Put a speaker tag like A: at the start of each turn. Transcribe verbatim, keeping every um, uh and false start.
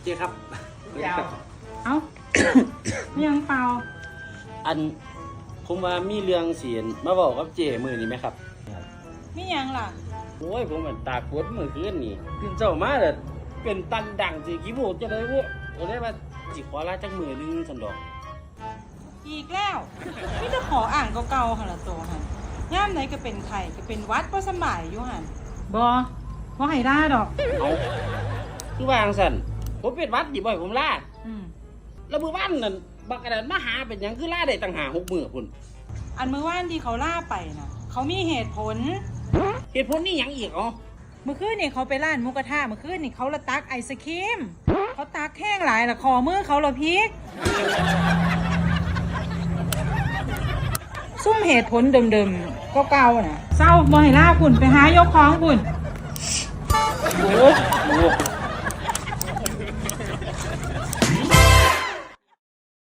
A: เจ๊ครับยาว
B: เอ้า ไม่ยังเปล่า
A: อันผมว่ามีเรื่องเสียนมาบอกกับเจ๊มือนี่ไหมครับ
B: ไม่ยังล่ะ
A: โอ้ยผมเหมือนตาปวดมือคืนนี่ตื่นเช้ามาเลยเป็นตันดังสิกี่โมงจะได้พวกก็ได้ว่าจิขอลาจักมือนึงสันดอก
B: อีกแล้วพี่จะขออ่านเก่าๆหันละโตหันย่ามไหนก็เป็นไข่ก็เป็นวัดก็สำบายอยู่หันบอเพราะไห้ได้ดอก
A: เอาคือวางสันผมเป็นหวัดอยู่บ่อยผมลา
B: อืม
A: แล้วมือบ้านนั่นบักกระดานมาหาเป็นหยังคือลาได้ตั้งหาหกมือพุ่น
B: อันเมื่อวานที่เขาล่าไปนะเขามีเหตุผล
A: เหตุผลนี่หยังอีกอ๋อ
B: เมื่อคืนนี่เขาไปร้านหมุกระทะเมื่อคืนนี่เขาละตักไอศครีมเขาตักแห้งหลายละคอมือเขาละพริก ซุ่มเหตุผลเดิมๆก็เก่าๆน่ะเศร้าบ่ให้ล่าคุณไปหายกของคุณ
A: โอ้โห